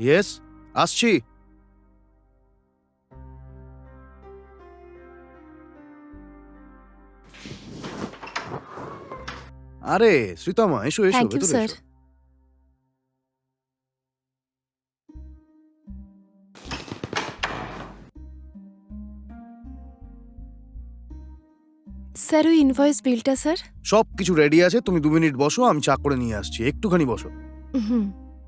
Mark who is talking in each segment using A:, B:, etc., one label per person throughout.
A: Yes, আসছি। আরে শ্রীতমা, এসো এসো,
B: থ্যাংক ইউ
A: ভেতরে
B: স্যার।
A: এসো।
B: স্যার ওই ইনভয়েস বিলটা স্যার।
A: সব কিছু রেডি আছে, তুমি 2 মিনিট বসো, আমি চা করে নিয়ে আসছি, একটুখানি বসো।
B: হুম।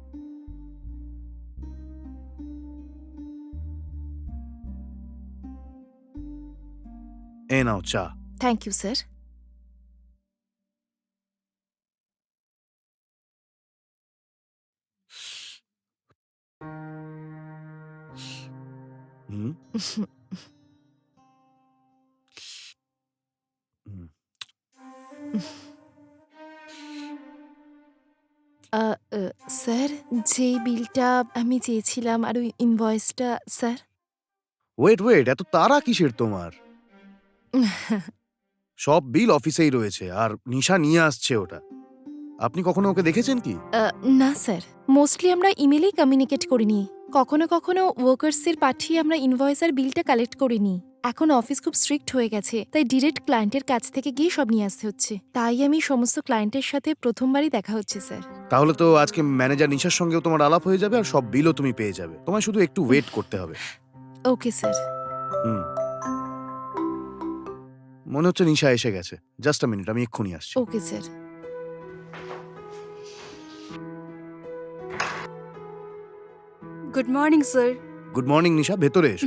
A: এই নাও চা।
B: Thank you sir.
A: হুম হুম।
B: আ, আ, স্যার যে বিলটা আমি চেয়েছিলাম আর ওই ইনভয়েসটা স্যার।
A: ওয়েট ওয়েট, এত তাড়া কিসের তোমার? সব বিল অফিসেই রয়েছে, আর নিশা নিয়ে আসছে ওটা। আপনি কখনো ওকে দেখেছেন কি?
B: না স্যার, মোস্টলি আমরা ইমেলেই কমিউনিকেট করে নিই। কখনো কখনো ওয়ার্কার্সের পাঠিয়ে আমরা ইনভয়েস আর বিলটা কালেক্ট করে নিই। এখন অফিস খুব স্ট্রিক্ট হয়ে গেছে, তাই ডিরেক্ট ক্লায়েন্টের কাছ থেকে গিয়ে সব নিয়ে আসতে হচ্ছে। তাই আমি সমস্ত ক্লায়েন্টের সাথে প্রথমবারই দেখা হচ্ছে স্যার।
A: তাহলে তো আজকে ম্যানেজার নিশার সঙ্গেও তোমার আলাপ হয়ে যাবে, আর সব বিলও তুমি পেয়ে যাবে। তোমায় শুধু একটু ওয়েট করতে হবে।
B: Okay sir.
A: হুম। মনে হচ্ছে নিশা এসে গেছে। জাস্ট আ মিনিট, আমি এক্ষুনি আসছি।
B: Okay sir.
C: Good morning sir.
A: Good morning Nisha, ভেতরে এসো।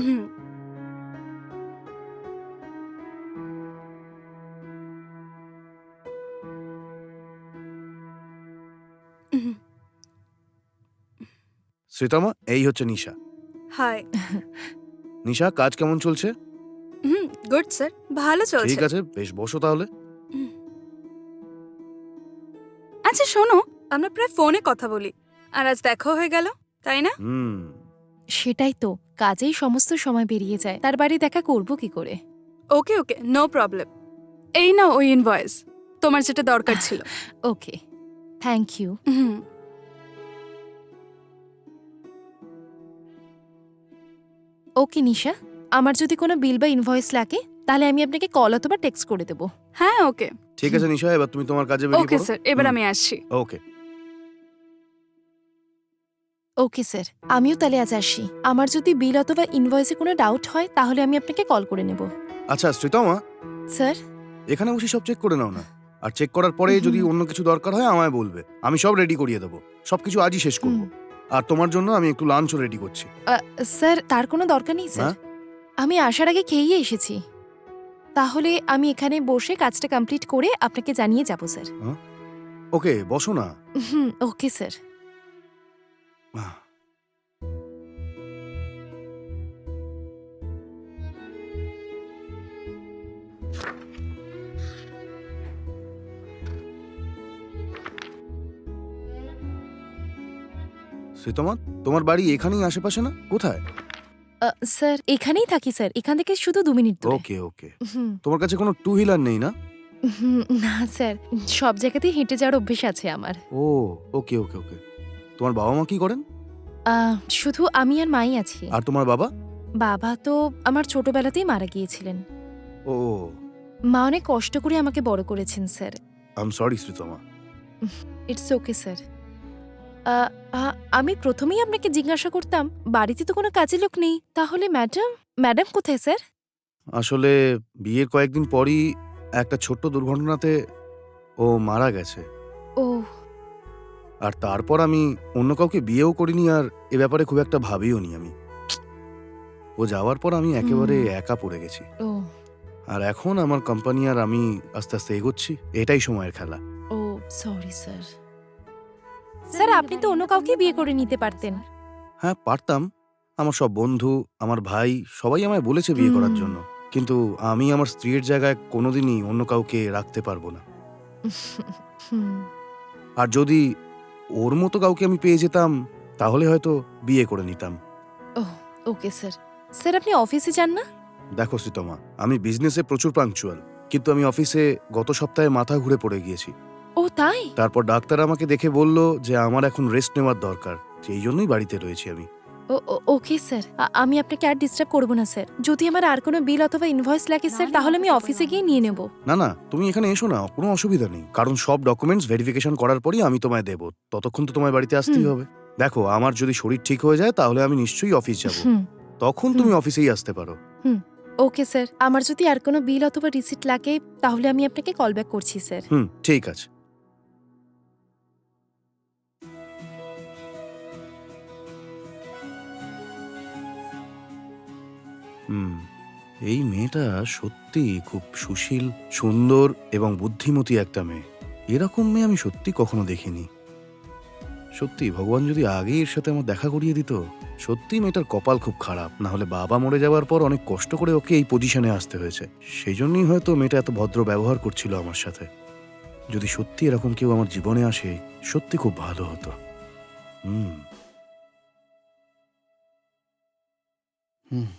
A: শ্রীতমা, এই হচ্ছে নিশা।
C: হাই।
A: নিশা, কাজ কেমন চলছে?
C: গুড স্যার, ভালো চলছে।
A: ঠিক আছে, বেশ, বসো তাহলে।
C: আচ্ছা শোনো, আমরা প্রায় ফোনে কথা বলি, আর আজ দেখা হয়ে গেল, তাই না?
A: হুম।
B: সেটাই তো, কাজেই সমস্ত সময় বেরিয়ে যায়, তার বাড়ি দেখা করব কি করে।
C: Okay okay, no problem. এই নাও ওই ইনভয়েস, তোমার যেটা দরকার ছিল।
B: ওকে, থ্যাংক ইউ।
C: হুম,
B: ওকে নিশা, আমার যদি কোনো বিল বা ইনভয়েস লাগে তাহলে আমি আপনাকে কল অথবা টেক্সট করে দেবো।
C: হ্যাঁ ওকে।
A: ঠিক আছে নিশা, এবার তুমি তোমার কাজে বেরিয়ে
C: ওকে
A: পড়ো।
C: স্যার, এবার
A: হুম।
C: আমি আসছি।
A: ওকে।
B: ওকে স্যার, আমিও তাহলে আজ আসি। আমার যদি বিল অথবা ইনভয়েসে কোনো ডাউট হয় তাহলে আমি আপনাকে কল করে নেব।
A: আচ্ছা শ্রীতমা,
B: স্যার।
A: এখানে বসে সব চেক করে নাও না। আর চেক করার পরে যদি অন্য কিছু দরকার হয় আমায় বলবে, আমি সব রেডি করিয়ে দেবো। সবকিছু আজই শেষ করব। আর তোমার জন্য আমি একটু লাঞ্চও রেডি করছি।
B: স্যার তার কোনো দরকার নেই স্যার,
A: হ্যাঁ?
B: আমি আসার আগে খেয়েই এসেছি। তাহলে আমি এখানে বসে কাজটা কমপ্লিট করে আপনাকে জানিয়ে যাব স্যার।
A: ওকে, বসো না।
B: Okay sir.
A: শ্রীতমা, তোমার বাড়ি এখানেই আশেপাশে না? কোথায়?
B: স্যার এখানেই থাকি স্যার, এখান থেকে শুধু 2 মিনিট দূরে।
A: ওকে ওকে।
B: হুম,
A: তোমার কাছে কোনো টু হুইলার নেই না?
B: না স্যার, সব জায়গাতেই হেঁটে যাওয়ার অভ্যেস আছে আমার।
A: ও, ওকে ওকে ওকে। তোমার বাবা মা কি করেন?
B: শুধু আমি আর মাই আছি।
A: আর তোমার বাবা?
B: বাবা তো আমার ছোটবেলাতেই মারা গিয়েছিলেন।
A: ও,
B: মা অনেক কষ্ট করে আমাকে বড় করেছেন sir.
A: I am sorry Sreetama.
B: It's okay sir. আমি প্রথমেই আপনাকে জিজ্ঞাসা করতাম, বাড়িতে তো কোনো কাজের লোক নেই, তাহলে ম্যাডাম ম্যাডাম কোথায় স্যার?
A: আসলে বিয়ের কয়েকদিন পরই একটা ছোট্ট দুর্ঘটনাতে ও মারা গেছে।
B: ও।
A: আর তারপর আমি অন্য কাউকে বিয়েও করিনি, আর এ ব্যাপারে খুব একটা ভাবিও নি আমি। ও যাওয়ার পর আমি একেবারে একা পড়ে গেছি।
B: ও।
A: আর এখন আমার কোম্পানি আর আমি আস্তে আস্তে এগোচ্ছি। এটাই সময়ের খেলা।
B: ও সরি স্যার। স্যার আপনি তো অন্য কাউকে বিয়ে করে নিতে পারতেন।
A: হ্যাঁ, পারতাম। আমার সব বন্ধু, আমার ভাই সবাই আমায় বলেছে বিয়ে করার
B: হুম।
A: জন্য। কিন্তু আমি আমার স্ত্রীর জায়গায় কোনোদিনই অন্য কাউকে রাখতে পারবো না।
B: হুম।
A: আর যদি ওর মতো কাউকে আমি পেয়ে যেতাম তাহলে হয়তো বিয়ে করে নিতাম।
B: Okay sir. স্যার আপনি অফিসে যান না?
A: দেখো শ্রীতমা, আমি বিজনেসে প্রচুর পাংচুয়াল, কিন্তু আমি অফিসে গত সপ্তাহে মাথা ঘুরে পড়ে গিয়েছি।
B: ও তাই?
A: তারপর ডাক্তার আমাকে দেখে বলল যে আমার এখন রেস্ট নেওয়ার দরকার। সেই জন্যই বাড়িতে রয়েছি আমি।
B: ওকে স্যার, আমি আপনাকে আর ডিস্টার্ব করব না স্যার। যদি আমার আর কোনো বিল অথবা ইনভয়েস লাগে স্যার, তাহলে আমি অফিসে গিয়ে নিয়ে নেব।
A: না না, তুমি এখানে এসো না, কোনো অসুবিধা নেই, কারণ সব ডকুমেন্টস ভেরিফিকেশন করার পরই আমি তোমায় দেব। ততক্ষণ তো তোমায় বাড়িতে আসতেই
B: হুম।
A: হবে। দেখো, আমার যদি শরীর ঠিক হয়ে যায় তাহলে আমি নিশ্চয়ই অফিস যাব,
B: হুম,
A: তখন তুমি অফিসেই আসতে পারো।
B: Okay sir. আমার যদি আর কোনো বিল অথবা রিসিট লাগে তাহলে আমি আপনাকে কল ব্যাক করছি স্যার।
A: ঠিক আছে। এই মেয়েটা সত্যি খুব সুশীল, সুন্দর এবং বুদ্ধিমতী একটা মেয়ে। এরকম মেয়ে আমি সত্যি কখনো দেখিনি। সত্যি ভগবান যদি আগেই এর সাথে আমার দেখা করিয়ে দিত। সত্যি মেয়েটার কপাল খুব খারাপ, না হলে বাবা মরে যাওয়ার পর অনেক কষ্ট করে ওকে এই পজিশনে আসতে হয়েছে। সেই জন্যই হয়তো মেয়েটা এত ভদ্র ব্যবহার করছিল আমার সাথে। যদি সত্যি এরকম কেউ আমার জীবনে আসে, সত্যি খুব ভালো হতো। হুম হুম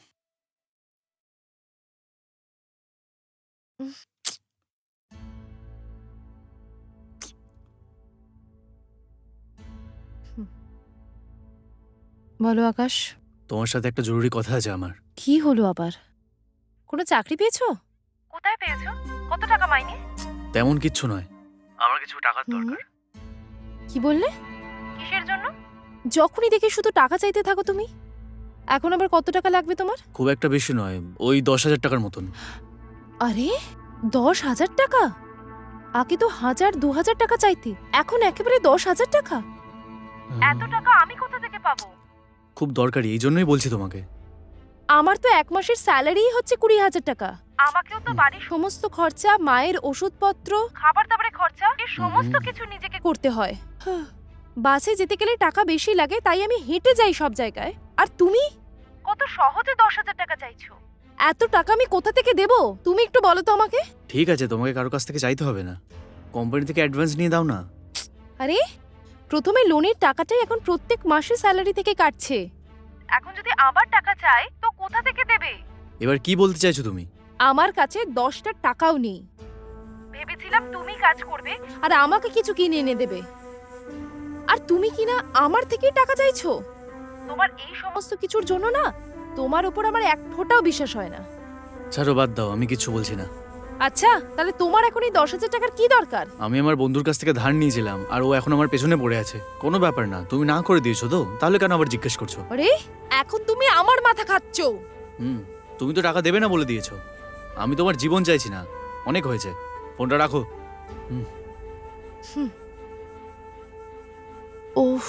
B: বলো আকাশ,
D: তোমার সাথে একটা জরুরি কথা আছে আমার।
B: কি হলো আবার? কোনো চাকরি পেয়েছো? কোথায় পেয়েছো? কত টাকা মাইনে?
D: তেমন কিচ্ছু নয়, আমার কিছু টাকার
B: হুম।
D: দরকার।
B: কি বললে? কিসের জন্য? যখনই দেখি শুধু টাকা চাইতে থাকো তুমি। এখন আবার কত টাকা লাগবে তোমার?
D: খুব একটা বেশি নয়, ওই 10,000 টাকার মতন।
B: আরে 10,000 টাকা? আগে তো 1,000-2,000 টাকা চাইতে, এখন একেবারে 10,000 টাকা? এত টাকা আমি কোথা থেকে পাবো?
D: খুব দরকারি, এই জন্যই বলছি তোমাকে।
B: আমার তো এক মাসের স্যালারিই হচ্ছে 20,000 টাকা। আমাকেও তো বাড়ির সমস্ত খরচা, মায়ের ওষুধপত্র, খাবার দাবারের খরচা, এই সমস্ত কিছু নিজেকে করতে হয়। বাসে যেতে গেলে টাকা বেশি লাগে, তাই আমি হেঁটে যাই সব জায়গায়। আর তুমি কত সহজে 10,000 টাকা চাইছো। এত টাকা আমি কোথা থেকে দেব? তুমি একটু বলো তো আমাকে।
D: ঠিক আছে, তোমাকে কারো কাছ থেকে চাইতে হবে না, কোম্পানি থেকে অ্যাডভান্স নিয়ে দাও না।
B: আরে প্রথমে লোনের টাকাটাই এখন প্রত্যেক মাসে স্যালারি থেকে কাটছে। এখন যদি আবার টাকা চাই তো কোথা থেকে দেবে?
D: এবার কি বলতে চাইছো তুমি?
B: আমার কাছে 10টা টাকাও নেই। ভেবেছিলাম তুমি কাজ করবে আর আমাকে কিছু কিনে এনে দেবে, আর তুমি কিনা আমার থেকেই টাকা চাইছো। তোমার এই সমস্ত কিছুর জন্য না, তোমার উপর আমার এক ফোঁটাও বিশ্বাস হয় না।
D: ছাড়ো, বাদ দাও, আমি কিচ্ছু বলছি না।
B: আচ্ছা, তাহলে তোমার এখন এই 10,000 টাকার কি দরকার?
D: আমি আমার বন্ধুর কাছ থেকে ধার নিয়েছিলাম, আর ও এখন আমার পেছনে পড়ে আছে। কোনো ব্যাপার না, তুমি না করে দিয়েছো তো, তাহলে কেন আবার জিজ্ঞেস করছো?
B: আরে এখন তুমি আমার মাথা খাচ্ছো।
D: তুমি তো টাকা দেবে না বলে দিয়েছো। আমি তোমার জীবন চাইছি না, অনেক হয়েছে, ফোনটা রাখো।
B: ওফ,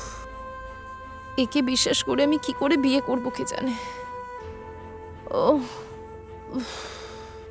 B: একে বিশ্বাস করে আমি কি করে বিয়ে করব কে জানে। ও